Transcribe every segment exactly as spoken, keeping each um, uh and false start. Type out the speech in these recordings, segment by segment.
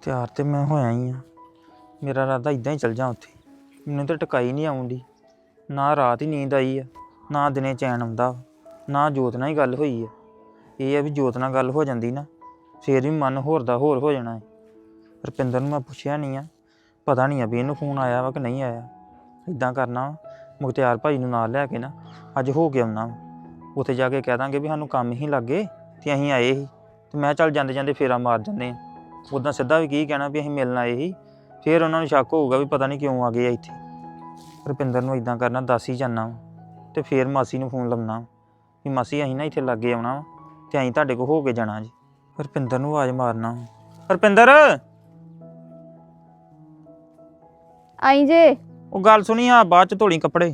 ਤਿਆਰ ਤੇ ਮੈਂ ਹੋਇਆ ਹੀ ਆ। ਮੇਰਾ ਇਰਾਦਾ ਇਦਾਂ ਹੀ ਚੱਲ ਜਾ ਉੱਥੇ। ਮੈਨੂੰ ਤਾਂ ਟਿਕਾਈ ਨਹੀਂ ਆਉਂਦੀ, ਨਾ ਰਾਤ ਹੀ ਨੀਂਦ ਆਈ ਆ, ਨਾ ਦਿਨੇ ਚੈਨ ਆਉਂਦਾ, ਨਾ ਜੋਤ ਨਾਲ ਹੀ ਗੱਲ ਹੋਈ ਆ। ਇਹ ਆ ਵੀ ਜੋਤ ਨਾਲ ਗੱਲ ਹੋ ਜਾਂਦੀ ਨਾ ਫੇਰ ਵੀ ਮਨ ਹੋਰ ਦਾ ਹੋਰ ਹੋ ਜਾਣਾ ਹੈ। ਰੁਪਿੰਦਰ ਨੂੰ ਮੈਂ ਪੁੱਛਿਆ ਨਹੀਂ ਆ, ਪਤਾ ਨਹੀਂ ਆ ਵੀ ਇਹਨੂੰ ਫੋਨ ਆਇਆ ਵਾ ਕਿ ਨਹੀਂ ਆਇਆ। ਇੱਦਾਂ ਕਰਨਾ ਮੁਖਤਿਆਰ ਭਾਈ ਨੂੰ ਨਾਲ ਲੈ ਕੇ ਨਾ ਅੱਜ ਹੋ ਕੇ ਆਉਣਾ, ਉੱਥੇ ਜਾ ਕੇ ਕਹਿ ਦਾਂਗੇ ਵੀ ਸਾਨੂੰ ਕੰਮ ਹੀ ਲੱਗੇ ਤੇ ਅਸੀਂ ਆਏ ਸੀ ਤੇ ਮੈਂ ਚੱਲ ਜਾਂਦੇ ਜਾਂਦੇ ਫੇਰਾ ਮਾਰ ਜਾਂਦੇ ਹਾਂ। ਉੱਦਾਂ ਸਿੱਧਾ ਵੀ ਕੀ ਕਹਿਣਾ ਵੀ ਅਸੀਂ ਮਿਲਣ ਆਏ ਸੀ, ਫਿਰ ਉਹਨਾਂ ਨੂੰ ਸ਼ੱਕ ਹੋਊਗਾ ਵੀ ਪਤਾ ਨਹੀਂ ਕਿਉਂ ਆ ਗਏ ਆ ਇੱਥੇ। ਰੁਪਿੰਦਰ ਨੂੰ ਇੱਦਾਂ ਕਰਨਾ ਦੱਸ ਹੀ ਜਾਨਾ ਤੇ ਫਿਰ ਮਾਸੀ ਨੂੰ ਫੋਨ ਲਾਉਣਾ ਵੀ ਮਾਸੀ ਅਸੀਂ ਨਾ ਇੱਥੇ ਲਾਗੇ ਆਉਣਾ ਵਾ ਤੇ ਅਸੀਂ ਤੁਹਾਡੇ ਕੋਲ ਹੋ ਕੇ ਜਾਣਾ ਜੀ। ਰੁਪਿੰਦਰ ਨੂੰ ਆਵਾਜ਼ ਮਾਰਨਾ, ਰੁਪਿੰਦਰ ਆਈ ਜੇ। ਉਹ ਗੱਲ ਸੁਣੀ ਆ, ਬਾਅਦ ਚ ਧੋਲੀ ਕੱਪੜੇ।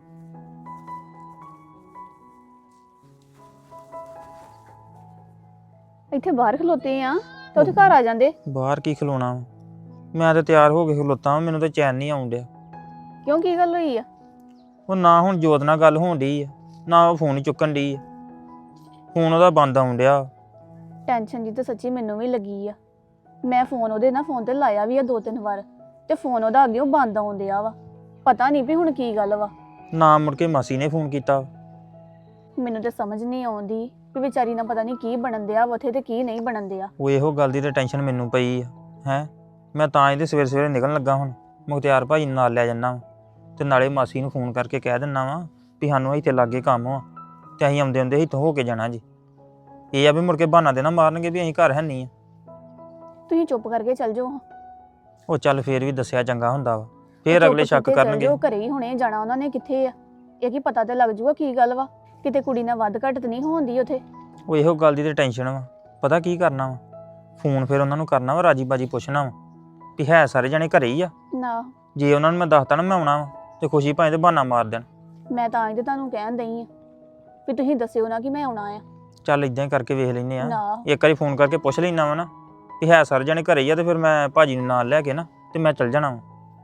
ਇੱਥੇ ਬਾਹਰ ਖਲੋਤੇ ਆ ਤੇ ਉੱਥੇ ਘਰ ਆ ਜਾਂਦੇ। ਬਾਹਰ ਕੀ ਖਲੋਣਾ ਵਾ? ਮੈਂ ਤਾਂ ਤਿਆਰ ਹੋ ਕੇ ਖਲੋਤਾ ਵਾਂ, ਮੈਨੂੰ ਤਾਂ ਚੈਨ ਨਹੀਂ ਆਉਣ ਡਿਆ। ਕਿਉਂ, ਕੀ ਗੱਲ ਹੋਈ ਆ? ਉਹ ਨਾ ਹੁਣ ਜੋਤ ਨਾਲ ਗੱਲ ਹੋਣ ਡਈ ਆ, ਨਾ ਉਹ ਫੋਨ ਹੀ ਚੁੱਕਣ ਡਈ ਆ। ਫੋਨ ਉਹਦਾ ਬੰਦ ਆਉਣ ਡਿਆ। ਟੈਨਸ਼ਨ ਜੀ ਤਾਂ ਸੱਚੀ ਮੈਨੂੰ ਵੀ ਲੱਗੀ ਆ। ਮੈਂ ਫੋਨ ਉਹਦੇ ਨਾਲ ਫੋਨ ਤੇ ਲਾਇਆ ਵੀ ਆ ਦੋ ਤਿੰਨ ਵਾਰ ਤੇ ਫੋਨ ਉਹਦਾ ਅੱਗੇ ਉਹ ਬੰਦ ਆਉਣ ਡਿਆ ਵਾ। ਪਤਾ ਨਹੀਂ ਵੀ ਹੁਣ ਕੀ ਗੱਲ ਵਾ। ਨਾ ਮੁੜ ਕੇ ਮਾਸੀ ਨੇ ਫੋਨ ਕੀਤਾ। ਮੈਨੂੰ ਤਾਂ ਸਮਝ ਨਹੀਂ ਆਉਂਦੀ ਵੀ ਵਿਚਾਰੀ ਨਾਲ ਪਤਾ ਨਹੀਂ ਕੀ ਬਣਨ ਦਿਆ ਵਾ ਉੱਥੇ ਤੇ ਕੀ ਨਹੀਂ ਬਣਨ ਦਿਆ। ਉਹ ਇਹੋ ਗੱਲ ਦੀ ਤਾਂ ਟੈਨਸ਼ਨ ਮੈਨੂੰ ਪਈ ਆ। ਹੈ ਮੈਂ ਤਾਂ ਇਹਦੇ ਸਵੇਰੇ ਸਵੇਰੇ ਨਿਕਲਣ ਲੱਗਾ ਹੁਣ। ਮੁਖਤਿਆਰ ਭਾਈ ਨੂੰ ਨਾਲ ਲੈ ਜਾਂਦਾ ਵਾ ਤੇ ਨਾਲੇ ਮਾਸੀ ਨੂੰ ਫੋਨ ਕਰਕੇ ਕਹਿ ਦਿੰਦਾ ਵਾ ਵੀ ਸਾਨੂੰ ਇੱਥੇ ਲਾਗੇ ਕੰਮ ਆ ਤੇ ਅਸੀਂ ਆਉਂਦੇ ਆਉਂਦੇ ਇੱਥੋਂ ਹੋ ਕੇ ਜਾਣਾ ਜੀ। ਇਹ ਆ ਵੀ ਮੁੜ ਕੇ ਬਹਾਨਾ ਦੇਣਾ ਮਾਰਨਗੇ ਵੀ ਅਸੀਂ ਘਰ ਹੈ ਨਹੀਂ ਆ। ਤੁਸੀਂ ਚੁੱਪ ਕਰਕੇ ਚੱਲ ਜਾਓ। ਉਹ ਚੱਲ ਫੇਰ ਵੀ ਦੱਸਿਆ ਚੰਗਾ ਹੁੰਦਾ ਵਾ, ਫੇਰ ਅਗਲੇ ਸ਼ੱਕ ਕਰਨਗੇ। ਉਹ ਘਰੇ ਹੀ ਹੁਣੇ ਜਾਣਾ ਉਹਨਾਂ ਨੇ, ਕਿੱਥੇ ਆ ਇਹ ਕੀ ਪਤਾ ਤੇ ਲੱਗ ਜੂਗਾ ਕੀ ਗੱਲ ਵਾ। ਕਿਤੇ ਕੁੜੀ ਨਾਲ ਵੱਧ ਘੱਟ ਤੇ ਨਹੀਂ ਹੋਣਦੀ ਉੱਥੇ। ਉਹ ਇਹੋ ਗੱਲ ਦੀ ਤੇ ਟੈਨਸ਼ਨ ਵਾ। ਪਤਾ ਕੀ ਕਰਨਾ ਵਾ, ਫੋਨ ਫਿਰ ਉਹਨਾਂ ਨੂੰ ਕਰਨਾ ਵਾ, ਰਾਜੀ ਬਾਜੀ ਪੁੱਛਣਾ ਵਾ ਵੀ ਹੈ ਸਾਰੇ ਜਣੇ ਘਰੇ ਹੀ ਆ। ਨਾ ਜੇ ਉਹਨਾਂ ਨੂੰ ਮੈਂ ਦੱਸਤਾ ਨਾ ਮੈਂ ਆਉਣਾ ਵਾ ਤੇ ਖੁਸ਼ੀ ਭਾਵੇਂ ਤੇ ਬਹਾਨਾ ਮਾਰ ਦੇਣ। ਮੈਂ ਤਾਂ ਅੱਜ ਤੁਹਾਨੂੰ ਕਹਿਣ ਦਈ ਆ ਵੀ ਤੁਸੀਂ ਦੱਸਿਓ ਨਾ ਕਿ ਮੈਂ ਆਉਣਾ ਆ। ਚੱਲ ਇਦਾਂ ਹੀ ਕਰਕੇ ਵੇਖ ਲੈਨੇ ਆ। ਨਾ ਇੱਕ ਵਾਰੀ ਫੋਨ ਕਰਕੇ ਪੁੱਛ ਲੈਣਾ ਵਾ ਨਾ ਵੀ ਹੈ ਸਾਰੇ ਜਣੇ ਘਰੇ ਹੀ ਆ ਤੇ ਫਿਰ ਮੈਂ ਭਾਜੀ ਨੂੰ ਨਾਲ ਲੈ ਕੇ ਨਾ ਤੇ ਮੈਂ ਚੱਲ ਜਾਣਾ ਵਾ।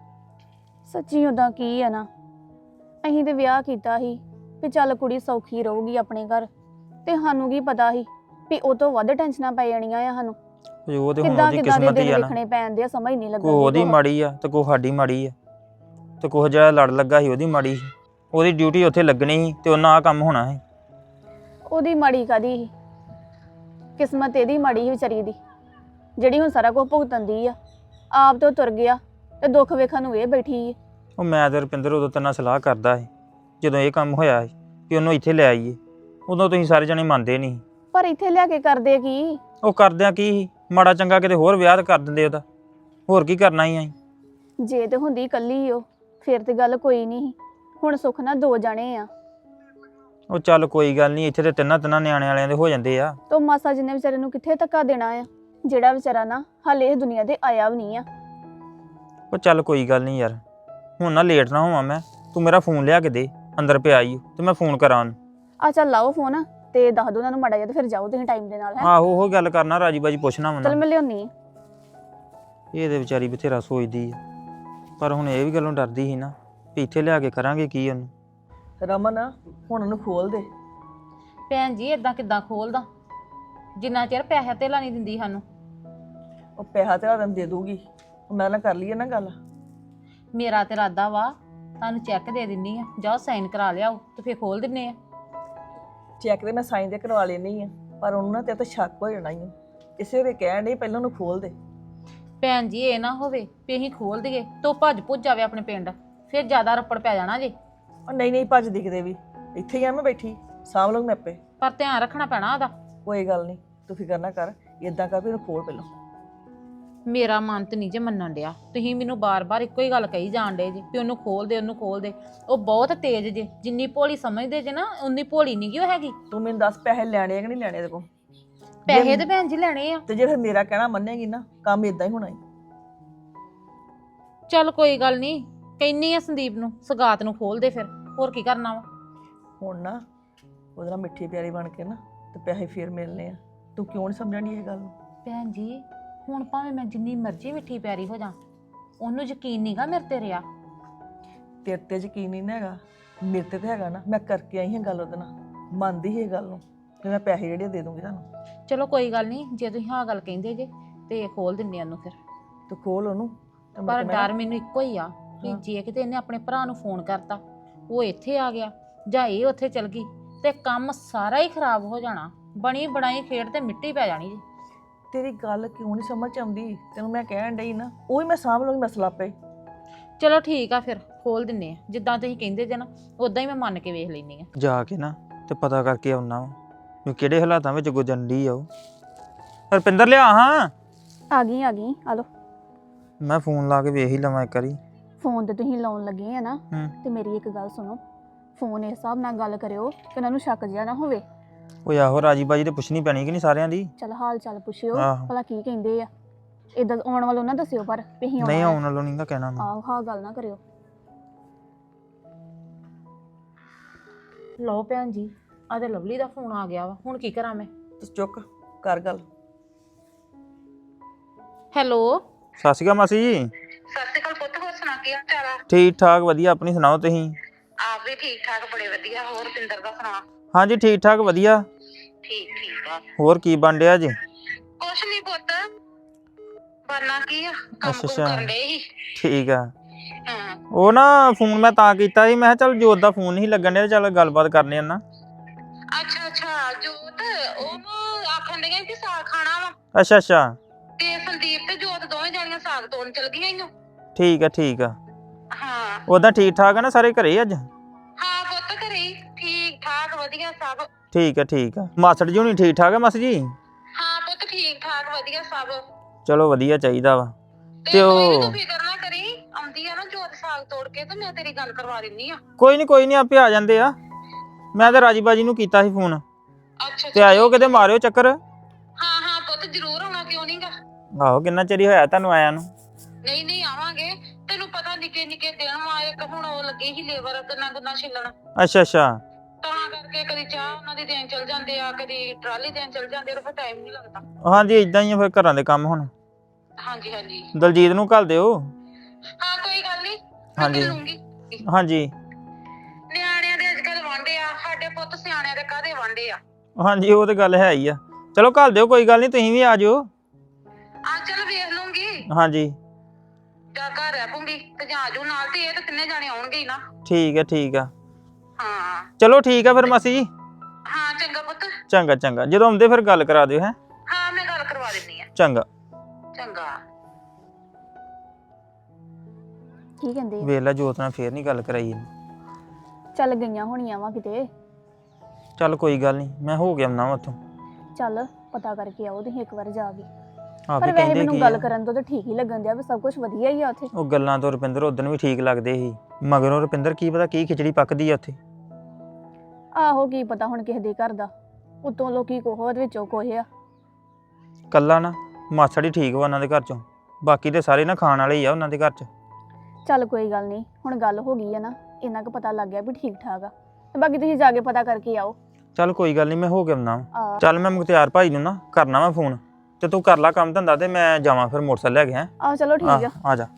ਸੱਚੀ ਉਦਾਂ ਕੀ ਆ ਨਾ, ਅਸੀਂ ਤੇ ਵਿਆਹ ਕੀਤਾ ਸੀ ਵੀ ਚੱਲ ਕੁੜੀ ਸੌਖੀ ਰਹੂਗੀ ਆਪਣੇ ਘਰ, ਤੇ ਸਾਨੂੰ ਕੀ ਪਤਾ ਸੀ ਵੀ ਉਹ ਤੋਂ ਵੱਧ ਟੈਨਸ਼ਨਾਂ ਪੈ ਜਾਣੀਆਂ ਆ ਸਾਨੂੰ। ਉਹ ਤੇ ਹੁਣ ਕਿੱਦਾਂ ਉਹਦੀ ਕਿੱਦਾਂ ਦੇ ਕਿਸਮਤ ਹੀ ਦਿਨ ਆ ਨਾ। ਵੇਖਣੇ ਪੈਂਦੇ ਆ, ਸਮਝ ਨਹੀਂ ਲੱਗਦੀ। ਕੋਈ ਉਹਦੀ ਮਾੜੀ ਆ ਤੇ ਕੋਈ ਸਾਡੀ ਮਾੜੀ ਆ। ਤੇ ਕੋਈ ਜਿਹੜਾ ਲੜ ਲੱਗਾ ਸੀ ਉਹਦੀ ਮਾੜੀ ਸੀ, ਉਹਦੀ ਡਿਊਟੀ ਉੱਥੇ ਲੱਗਣੀ ਸੀ ਤੇ ਉਹਨਾਂ ਆ ਕੰਮ ਹੋਣਾ ਸੀ। ਉਹਦੀ ਮਾੜੀ ਕਾਦੀ ਸੀ? ਕਿਸਮਤ ਇਹਦੀ ਮਾੜੀ ਸੀ ਵਿਚਾਰੀ ਦੀ, ਜਿਹੜੀ ਹੁਣ ਸਾਰਾ ਕੁਝ ਭੁਗਤਦੀ ਆ। ਆਪ ਤੋਂ ਤੁਰ ਗਿਆ ਤੇ ਦੁੱਖ ਵੇਖਣ ਨੂੰ ਇਹ ਬੈਠੀ ਹੈ। ਉਹ ਮੈਂ ਤੇ ਰੁਪਿੰਦਰ ਉਦੋਂ ਤੇਰੇ ਨਾਲ ਸਲਾਹ ਕਰਦਾ ਸੀ ਜਦੋਂ ਇਹ ਕੰਮ ਹੋਇਆ ਸੀ ਕਿ ਉਹਨੂੰ ਇੱਥੇ ਲੈ ਆਈਏ। ਉਦੋਂ ਤੁਸੀਂ ਸਾਰੇ ਜਣੇ ਮੰਨਦੇ ਨਹੀਂ। ਪਰ ਇੱਥੇ ਲਿਆ ਕੇ ਕਰਦੇ ਕੀ? ਉਹ ਕਰਦਿਆਂ ਕੀ ਸੀ, ਮਾੜਾ ਚੰਗਾ ਕਿਤੇ ਹੋਰ ਵਿਆਹ ਕਰ ਦਿੰਦੇ ਉਹਦਾ। ਹੋਰ ਕੀ ਕਰਨਾ ਹੀ ਅਸੀਂ। ਜੇ ਤੇ ਹੁੰਦੀ ਇਕੱਲੀ ਉਹ ਫਿਰ ਤੇ ਗੱਲ ਕੋਈ ਨਹੀਂ। ਹੁਣ ਸੁੱਖ ਨਾਲ ਦੋ ਜਾਣੇ ਆ। ਉਹ ਚੱਲ ਕੋਈ ਗੱਲ ਨਹੀਂ, ਇੱਥੇ ਤੇ ਤਿੰਨਾਂ ਤਿੰਨਾਂ ਨਿਆਣੇ ਵਾਲਿਆਂ ਦੇ ਹੋ ਜਾਂਦੇ ਆ। ਤੋ ਮਾਸਾ ਜਿੰਨੇ ਵਿਚਾਰੇ ਨੂੰ ਕਿੱਥੇ ਧੱਕਾ ਦੇਣਾ ਆ, ਜਿਹੜਾ ਵਿਚਾਰਾ ਨਾ ਹਾਲੇ ਇਹ ਦੁਨੀਆ ਤੇ ਆਇਆ ਵੀ ਨਹੀਂ ਆ। ਉਹ ਚੱਲ ਕੋਈ ਗੱਲ ਨਹੀਂ ਯਾਰ, ਹੁਣ ਨਾ ਲੇਟ ਨਾ ਹੋਵਾਂ ਮੈਂ। ਤੂੰ ਮੇਰਾ ਫੋਨ ਲਿਆ ਕੇ ਦੇ, ਅੰਦਰ ਪਿਆ ਈ ਤੇ ਮੈਂ ਫੋਨ ਕਰਾਂ ਉਹਨੂੰ। ਆ ਚੱਲ ਲਾਓ ਫੋਨ ਤੇ ਦੱਸ ਦੋ ਉਹਨਾਂ ਨੂੰ ਮਾੜਾ ਜਿਹਾ ਤੇ ਫਿਰ ਜਾਓ ਤੁਸੀਂ ਟਾਈਮ ਦੇ ਨਾਲ। ਹੈ ਆਹੋ ਉਹ ਗੱਲ ਕਰਨਾ, ਰਾਜੀ ਬਾਜੀ ਪੁੱਛਣਾ ਵਾ। ਚੱਲ ਮੈਂ ਲਿਆਉਣੀ ਆ। ਇਹਦੇ ਵਿਚਾਰੀ ਬਥੇਰਾ ਸੋਚਦੀ ਆ, ਪਰ ਹੁਣ ਇਹ ਵੀ ਗੱਲੋਂ ਡਰਦੀ ਸੀ ਨਾ ਵੀ ਇੱਥੇ ਲਿਆ ਕੇ ਕਰਾਂਗੇ ਕੀ ਉਹਨੂੰ। ਰਮਨ ਹੁਣ ਉਹਨੂੰ ਖੋਲ ਦੇ। ਭੈਣ ਜੀ ਇਦਾਂ ਕਿੱਦਾਂ ਖੋਲਦਾ, ਜਿੰਨਾ ਚਿਰ ਪੈਸਾ ਧੇਲਾ ਨਹੀਂ ਦਿੰਦੀ ਸਾਨੂੰ। ਉਹ ਪੈਸਾ ਤੇਰਾ ਤੈਨੂੰ ਦੇ ਦੂਗੀ, ਮੈਂ ਨਾਲ ਕਰ ਲਈਏ ਨਾ ਗੱਲ। ਮੇਰਾ ਤੇ ਇਰਾਦਾ ਵਾ ਤੁਹਾਨੂੰ ਚੈੱਕ ਦੇ ਦਿੰਨੀ ਆ, ਜਾਓ ਸਾਈਨ ਕਰਾ ਲਿਆਓ ਤੇ ਫੇਰ ਖੋਲ ਦਿੰਨੇ ਆ। ਚੈੱਕ ਤੇ ਮੈਂ ਸਾਈਨ ਤੇ ਕਰਵਾ ਲੈਣੀ ਆ, ਪਰ ਉਹਨੂੰ ਨਾ ਤੇਰੇ ਤੋਂ ਸ਼ੱਕ ਹੋ ਜਾਣਾ ਹੀ। ਇਸੇ ਵੇ ਕਹਿਣ ਡਈ ਪਹਿਲਾਂ ਉਹਨੂੰ ਖੋਲ ਦੇ। ਭੈਣ ਜੀ ਇਹ ਨਾ ਹੋਵੇ ਵੀ ਅਸੀਂ ਖੋਲ ਦਈਏ ਤੋ ਭੱਜ ਭੁੱਜ ਜਾਵੇ ਆਪਣੇ ਪਿੰਡ, ਫਿਰ ਜ਼ਿਆਦਾ ਰੱਪੜ ਪੈ ਜਾਣਾ ਜੇ। ਉਹ ਨਹੀਂ ਨਹੀਂ ਭੱਜਦੀ ਕਿਤੇ ਵੀ, ਇੱਥੇ ਹੀ ਆ ਮੈਂ ਬੈਠੀ, ਸਾਂਭ ਲਊਂ ਮੈਂ ਆਪੇ। ਪਰ ਧਿਆਨ ਰੱਖਣਾ ਪੈਣਾ ਉਹਦਾ। ਕੋਈ ਗੱਲ ਨਹੀਂ, ਤੂੰ ਫਿਕਰ ਨਾ ਕਰ। ਇਦਾਂ ਕਰ ਵੀ ਉਹਨੂੰ ਖੋਲ ਪਹਿਲਾਂ। ਮੇਰਾ ਮਨ ਤੇ ਨਹੀਂ ਜੇ ਮੰਨਣ ਡਿਆ, ਤੁਸੀਂ ਮੈਨੂੰ ਬਾਰ-ਬਾਰ ਇੱਕੋ ਹੀ ਗੱਲ ਕਹੀ ਜਾਣ ਡੇ ਜੇ ਵੀ ਉਹਨੂੰ ਖੋਲ ਦੇ ਉਹਨੂੰ ਖੋਲ ਦੇ। ਉਹ ਬਹੁਤ ਤੇਜ਼ ਜੇ, ਜਿੰਨੀ ਭੋਲੀ ਸਮਝਦੇ ਜੇ ਨਾ ਉਨੀ ਭੋਲੀ ਨਹੀਂ ਗੀ ਉਹ ਹੈਗੀ। ਤੂੰ ਮੈਨੂੰ ਦੱਸ ਪੈਸੇ ਲੈਣੇ ਆ ਕਿ ਨਹੀਂ ਲੈਣੇ ਇਹਦੇ ਕੋਲ? ਪੈਸੇ ਤੇ ਭੈਣ ਜੀ ਲੈਣੇ ਆ। ਤੇ ਜੇ ਫਿਰ ਮੇਰਾ ਕਹਿਣਾ ਮੰਨੇਗੀ ਨਾ, ਕੰਮ ਇਦਾਂ ਹੀ ਹੋਣਾ ਹੀ। ਚੱਲ ਕੋਈ ਗੱਲ ਨਹੀਂ, ਕਹਿੰਨੀ ਆ ਸੰਦੀਪ ਨੂੰ ਸਗਾਤ ਨੂੰ ਖੋਲ ਦੇ, ਫਿਰ ਹੋਰ ਕੀ ਕਰਨਾ ਵਾ। ਹੁਣ ਨਾ ਉਹਦੇ ਨਾਲ ਮਿੱਠੀ ਪਿਆਰੀ ਬਣ ਕੇ ਨਾ ਤੇ ਪੈਸੇ ਫੇਰ ਮਿਲਨੇ ਆ। ਤੂੰ ਕਿਉਂ ਨਹੀਂ ਸਮਝਣੀ ਇਹ ਗੱਲ ਨੂੰ? ਭੈਣ ਜੀ ਹੁਣ ਭਾਵੇਂ ਮੈਂ ਜਿੰਨੀ ਮਰਜ਼ੀ ਮਿੱਠੀ ਪਿਆਰੀ ਹੋ ਜਾ, ਉਹਨੂੰ ਯਕੀਨ ਨਹੀਂਗਾ ਮੇਰੇ ਤੇ ਰਿਹਾ। ਤੇਰੇ ਤੇ ਯਕੀਨ ਨਹੀਂ ਹੈਗਾ, ਮੇਰੇ ਤੇ ਤਾਂ ਹੈਗਾ ਨਾ। ਮੈਂ ਕਰਕੇ ਆਈ ਹਾਂ ਗੱਲ ਉਹਦੇ ਨਾਲ, ਮੰਨਦੀ ਸੀ ਇਹ ਗੱਲ ਨੂੰ ਕਿ ਮੈਂ ਪੈਸੇ ਜਿਹੜੇ ਦੇ ਦੂੰਗੀ ਤੁਹਾਨੂੰ। ਚਲੋ ਕੋਈ ਗੱਲ ਨਹੀਂ, ਜੇ ਤੁਸੀਂ ਹਾਂ ਗੱਲ ਕਹਿੰਦੇ ਜੇ ਤੇ ਖੋਲ ਦਿੰਨੇ ਉਹਨੂੰ ਫਿਰ। ਤੂੰ ਖੋਲ ਉਹਨੂੰ ਤੇ ਮੁੜ ਪਰ ਕੇ ਮੈਂ- ਡਰ ਮੈਨੂੰ ਇੱਕੋ ਹੀ ਆ ਵੀ ਹਾਂ। ਜੇ ਕਿਤੇ ਇਹਨੇ ਆਪਣੇ ਭਰਾ ਨੂੰ ਫੋਨ ਕਰਤਾ ਉਹ ਇੱਥੇ ਆ ਗਿਆ ਜਾਂ ਇਹ ਉੱਥੇ ਚਲ ਗਈ ਤੇ ਕੰਮ ਸਾਰਾ ਹੀ ਖਰਾਬ ਹੋ ਜਾਣਾ। ਬਣੀ ਬਣਾਈ ਖੇਡ ਤੇ ਮਿੱਟੀ ਪੈ ਜਾਣੀ ਜੀ। ਤੇਰੀ ਗੱਲ ਕਿਉਂ ਨਹੀਂ ਸਮਝ ਆਉਂਦੀ? ਤੈਨੂੰ ਮੈਂ ਕਹਿਣ ਡਈ ਨਾ, ਉਹ ਹੀ ਮੈਂ ਸਾਂਭ ਲਊਂਗੀ ਮਸਲਾ ਪਏ। ਚਲੋ ਠੀਕ ਆ, ਫਿਰ ਖੋਲ ਦਿੰਨੇ ਆ ਜਿੱਦਾਂ ਤੁਸੀਂ ਕਹਿੰਦੇ ਜੇ ਨਾ ਉਦਾਂ ਹੀ ਮੈਂ ਮੰਨ ਕੇ ਵੇਖ ਲੈਣੀ ਆ। ਜਾ ਕੇ ਨਾ ਤੇ ਪਤਾ ਕਰਕੇ ਆਉਣਾ ਵਾ ਵੀ ਕਿਹੜੇ ਹਾਲਾਤਾਂ ਵਿੱਚ ਗੁਜ਼ਰਨ ਡਈ ਆ ਉਹ। ਰੁਪਿੰਦਰ ਲਿਆ ਹਾਂ। ਆ ਗਈ ਆ ਗਈ ਆ ਲੋ। ਮੈਂ ਫੋਨ ਲਾ ਕੇ ਵੇਖ ਹੀ ਲਵਾਂ ਇੱਕ ਵਾਰੀ। ਫੋਨ ਤੇ ਤੁਸੀਂ ਲਾਉਣ ਲੱਗੇ ਆ ਨਾ, ਹੂੰ। ਤੇ ਮੇਰੀ ਇੱਕ ਗੱਲ ਸੁਣੋ, ਫੋਨ ਇਸ ਹਿਸਾਬ ਨਾਲ ਗੱਲ ਕਰਿਓ ਕਿ ਉਹਨਾਂ ਨੂੰ ਸ਼ੱਕ ਜਿਹਾ ਨਾ ਹੋਵੇ। ਉਹ ਆਹੋ ਰਾਜੀ ਬਾਜੀ ਤੇ ਪੁੱਛਣੀ ਪੈਣੀ ਕਿ ਨਹੀਂ ਸਾਰਿਆਂ ਦੀ। ਚਲ ਹਾਲ ਚਾਲ ਪੁੱਛਿਓ ਆਹੋ। ਭਲਾ ਕੀ ਕਹਿੰਦੇ ਆ। ਇਦਾਂ ਆਉਣ ਵਾਲੋਂ ਨਾ ਦੱਸਿਓ ਪਰ ਵੀ ਅਸੀਂ ਨਹੀਂ ਆਉਣਾ ਆਉਣ ਵਾਲੋਂ ਨਹੀਂਗਾ ਕਹਿਣਾ ਮੈਂ। ਆਹੋ ਹਾਂ ਗੱਲ ਨਾ ਕਰਿਓ। ਲਓ ਭੈਣ ਜੀ, ਆ ਤੇ ਲਵਲੀ ਦਾ ਫੋਨ ਆ ਗਿਆ ਵਾ, ਹੁਣ ਕੀ ਕਰਾਂ ਮੈਂ? ਤੂੰ ਚੁੱਕ ਕਰ ਗੱਲ। ਹੈਲੋ, ਸਤਿ ਸ਼੍ਰੀ ਅਕਾਲ ਮਾਸੀ ਜੀ। ਸਤਿ ਸ਼੍ਰੀ ਅਕਾਲ ਪੁੱਤ, ਹੋਰ ਸੁਣਾ ਕੀ ਹਾਲ ਚਾਲ ਆ? ਠੀਕ ਠਾਕ ਵਧੀਆ, ਆਪਣੀ ਸੁਣਾਓ ਤੁਸੀਂ? ਆਪ ਵੀ ਠੀਕ ਠਾਕ, ਬੜੇ ਵਧੀਆ। ਹੋਰ ਪਿੰਦਰ ਦਾ ਸੁਣਾ? ਹਾਂਜੀ ਠੀਕ ਠਾਕ ਵਧੀਆ। ਠੀਕ ਠੀਕ ਆ। ਹੋਰ ਕੀ ਬਣ ਡਿਆ ਜੀ? ਕੁਛ ਨਹੀਂ ਪੁੱਤ, ਬਣਨਾ ਕੀ ਆ, ਕੰਮ ਅੱਛਾ, ਕੁਮ ਅੱਛਾ। ਕਰਨ ਡਏ ਸੀ। ਠੀਕ ਆ। ਹਾਂ। ਉਹ ਨਾ ਫੋਨ ਮੈਂ ਤਾਂ ਕੀਤਾ ਸੀ, ਮੈਂ ਕਿਹਾ ਚੱਲ ਜੋਤ ਦਾ ਫੋਨ ਨਹੀਂ ਲੱਗਣ ਡਿਆ, ਚੱਲ ਗੱਲਬਾਤ ਕਰਨੇ ਆ ਨਾ। ਅੱਛਾ ਅੱਛਾ, ਜੋਤ ਉਹਨੂੰ ਆਖਣ ਡਈਆਂ ਕਿ ਸਾਗ ਖਾਣਾ ਵਾ, ਅੱਛਾ ਅੱਛਾ ਤੇ ਸੰਦੀਪ ਤੇ ਜੋਤ ਦੋਵੇਂ ਜਾਣੀਆਂ ਸਾਗ ਤੋੜਨ ਚਲ ਗਈਆਂ ਈ ਓ। ਠੀਕ ਆ ਠੀਕ ਆ। ਹਾਂ ਉਦਾਂ ਠੀਕ ਠਾਕ ਆ ਨਾ ਸਾਰੇ ਘਰੇ ਅੱਜ? ਹਾਂ ਪੁੱਤ, ਘਰੇ ਹੀ ਠੀਕ ਠਾਕ ਵਧੀਆ ਸਭ। ਠੀਕ ਆ ਠੀਕ ਆ। ਮਾਸੜ ਜੀ ਹੁਣੀ ਠੀਕ ਠਾਕ ਆ ਮਾਸੀ ਜੀ? ਹਾਂ ਪੁੱਤ, ਠੀਕ ਠਾਕ ਵਧੀਆ ਸਭ। ਚਲੋ ਵਧੀਆ ਚਾਹੀਦਾ ਵਾ। ਤੇ ਤੇ ਕੋਈ ਨੀ, ਉਹ ਤੂੰ ਫਿਕਰ ਨਾ ਕਰੀ, ਆਉਂਦੀ ਆ ਨਾ ਜੋਤ ਸਾਗ ਤੋੜ ਕੇ ਤੇ ਮੈਂ ਤੇਰੀ ਗੱਲ ਕਰਵਾ ਦਿੰਨੀ ਆ। ਕੋਈ ਨਹੀਂ ਕੋਈ ਨਹੀਂ ਆਪੇ ਆ ਜਾਂਦੇ ਆ। ਮੈਂ ਤਾਂ ਰਾਜੀ ਬਾਜੀ ਨੂੰ ਕੀਤਾ ਸੀ ਫੋਨ, ਅੱਛਾ ਤੇ ਆਇਓ ਕਿਤੇ ਮਾਰਿਓ ਚੱਕਰ। ਹਾਂ ਹਾਂ ਪੁੱਤ, ਜ਼ਰੂਰ ਆਉਣਾ, ਕਿਉਂ ਨਹੀਂਗਾ। ਆਹੋ ਕਿੰਨਾ ਚਿਰ ਹੀ ਹੋਇਆ ਤੁਹਾਨੂੰ ਆਇਆ ਨੂੰ। ਨਹੀਂ ਨਹੀਂ ਆਵਾਂਗੇ, ਤੈਨੂੰ ਪਤਾ ਨਿੱਕੇ ਨਿੱਕੇ ਦਿਨ ਵਾ, ਇੱਕ ਹੁਣ ਉਹ ਲੱਗੇ ਹੀ ਲੇਬਰ ਗੰਨਾ ਗੁੰਨਾ ਛਿੱਲਣ, ਅੱਛਾ ਅੱਛਾ ਤਾਂ ਕਰਕੇ ਕਦੀ ਚਾਹ ਉਹਨਾਂ ਦੀ ਦੇਣ ਚਲ ਜਾਂਦੇ ਆ, ਕਦੀ ਟਰਾਲੀ ਦੇਣ ਚਲ ਜਾਂਦੇ ਆ, ਫਿਰ ਟਾਈਮ ਨਹੀਂ ਲੱਗਦਾ। ਹਾਂਜੀ ਇਦਾਂ ਹੀ ਆ ਫਿਰ ਘਰਾਂ ਦੇ ਕੰਮ ਹੁਣ। ਹਾਂਜੀ ਹਾਂਜੀ ਦਲਜੀਤ ਨੂੰ ਘੱਲ ਦਿਓ। ਹਾਂ ਕੋਈ ਗੱਲ ਨਹੀਂ, ਹਾਂਜੀ। ਮੈਂ ਲੂੰਗੀ। ਹਾਂਜੀ ਨਿਆਣਿਆਂ ਦੇ ਅੱਜ ਕੱਲ ਵਾਂਡੇ ਆ, ਸਾਡੇ ਪੁੱਤ ਸਿਆਣਿਆਂ ਦੇ ਕਾਹਦੇ ਵਾਂਡੇ ਆ। ਹਾਂਜੀ ਉਹ ਤੇ ਗੱਲ ਹੈ ਹੀ ਆ। ਚਲੋ ਘੱਲ ਦਿਓ, ਕੋਈ ਗੱਲ ਨਹੀਂ, ਤੁਸੀਂ ਵੀ ਆ ਜਾਓ। ਆ ਚੱਲ ਵੇਖ ਲੂੰਗੀ, ਹਾਂਜੀ ਜਾਂ ਘਰ ਰਹਿ ਪੂੰਗੀ ਤੇ ਜਾਂ ਆਜੂ ਨਾਲ, ਤੇ ਇਹ ਤਾਂ ਤਿੰਨੇ ਜਾਣੇ ਆਉਣਗੇ ਹੀ ਨਾ। ਠੀਕ ਹੈ ਠੀਕ ਆ। ਹਾਂ ਚਲੋ ਠੀਕ ਆ ਫਿਰ ਮਾਸੀ ਜੀ। ਹਾਂ ਚੰਗਾ ਪੁੱਤ। ਚੰਗਾ ਚੰਗਾ, ਜਦੋਂ ਆਉਂਦੇ ਫਿਰ ਗੱਲ ਕਰਾ ਦਿਓ। ਹੈ ਹਾਂ ਮੈਂ ਗੱਲ ਕਰਵਾ ਦਿੰਨੀ ਆ। ਚੰਗਾ। ਚੰਗਾ। ਕੀ ਕਹਿੰਦੇ ਆ? ਵੇਖ ਲੈ ਜੋਤ ਨਾਲ ਫੇਰ ਨਹੀਂ ਗੱਲ ਕਰਾਈ ਇਹਨੇ। ਚੱਲ ਗਈਆਂ ਹੋਣੀਆਂ ਵਾ ਕਿਤੇ। ਚੱਲ ਕੋਈ ਗੱਲ ਨਹੀਂ, ਮੈਂ ਹੋ ਗਿਆ ਆਉਣਾ ਉੱਥੋਂ। ਚੱਲ ਪਤਾ ਕਰਕੇ ਆਓ ਤੁਸੀਂ ਇੱਕ ਵਾਰ ਜਾ ਕੇ। ਆਪੇ ਪਰ ਵੈਸੇ ਕਹਿੰਦੇ ਮੈਨੂੰ ਕੀ ਗੱਲ ਆ। ਕਰਨ ਤੋਂ ਤਾਂ ਠੀਕ ਹੀ ਲੱਗਣ ਦਿਆ ਵੀ ਸਭ ਕੁਝ ਵਧੀਆ ਹੀ ਆ ਉੱਥੇ। ਉਹ ਗੱਲਾਂ ਤੋਂ ਰੁਪਿੰਦਰ ਉਦੋਂ ਵੀ ਠੀਕ ਲੱਗਦੇ ਸੀ, ਮਗਰੋਂ ਰੁਪਿੰਦਰ ਕੀ ਪਤਾ ਕੀ ਖਿਚੜੀ ਪੱਕਦੀ ਆ ਉੱਥੇ। ਆਹੋ ਕੀ ਪਤਾ ਹੁਣ ਕਿਸੇ ਦੇ ਘਰ ਦਾ, ਉਤੋਂ ਲੋਕੀ ਕੋਹ ਦੇ ਵਿੱਚੋਂ ਕੋਹ ਆ। ਕੱਲਾ ਨਾ ਮਾਸੜ ਹੀ ਠੀਕ ਵਾ ਉਹਨਾਂ ਦੇ ਘਰ ਚੋਂ, ਬਾਕੀ ਤੇ ਸਾਰੇ ਨਾ ਖਾਣ ਵਾਲੇ ਹੀ ਆ ਉਹਨਾਂ ਦੇ ਘਰ ਚ। ਚੱਲ ਕੋਈ ਗੱਲ ਨਹੀਂ, ਹੁਣ ਗੱਲ ਹੋ ਗਈ ਆ ਨਾ, ਇੰਨਾ ਕੁ ਪਤਾ ਲੱਗ ਗਿਆ ਵੀ ਠੀਕ ਠਾਕ ਆ, ਤੇ ਬਾਕੀ ਤੁਸੀਂ ਜਾ ਕੇ ਪਤਾ ਕਰਕੇ ਆਓ। ਚੱਲ ਕੋਈ ਗੱਲ ਨਹੀਂ, ਮੈਂ ਹੋ ਕੇ ਆਉਣਾ। ਆ ਚੱਲ ਮੈਂ ਮੁਖਤਿਆਰ ਭਾਈ ਨੂੰ ਨਾ ਕਰਨਾ ਵਾ ਫੋਨ, ਤੇ ਤੂੰ ਕਰ ਲੈ ਕੰਮ ਧੰਦਾ, ਤੇ ਮੈਂ ਜਾਵਾਂ ਫਿਰ ਮੋਟਰਸਾਈਕਲ ਲੈ ਕੇ। ਹੈ ਆਹੋ ਚਲੋ ਠੀਕ ਆ। ਆ ਜਾ।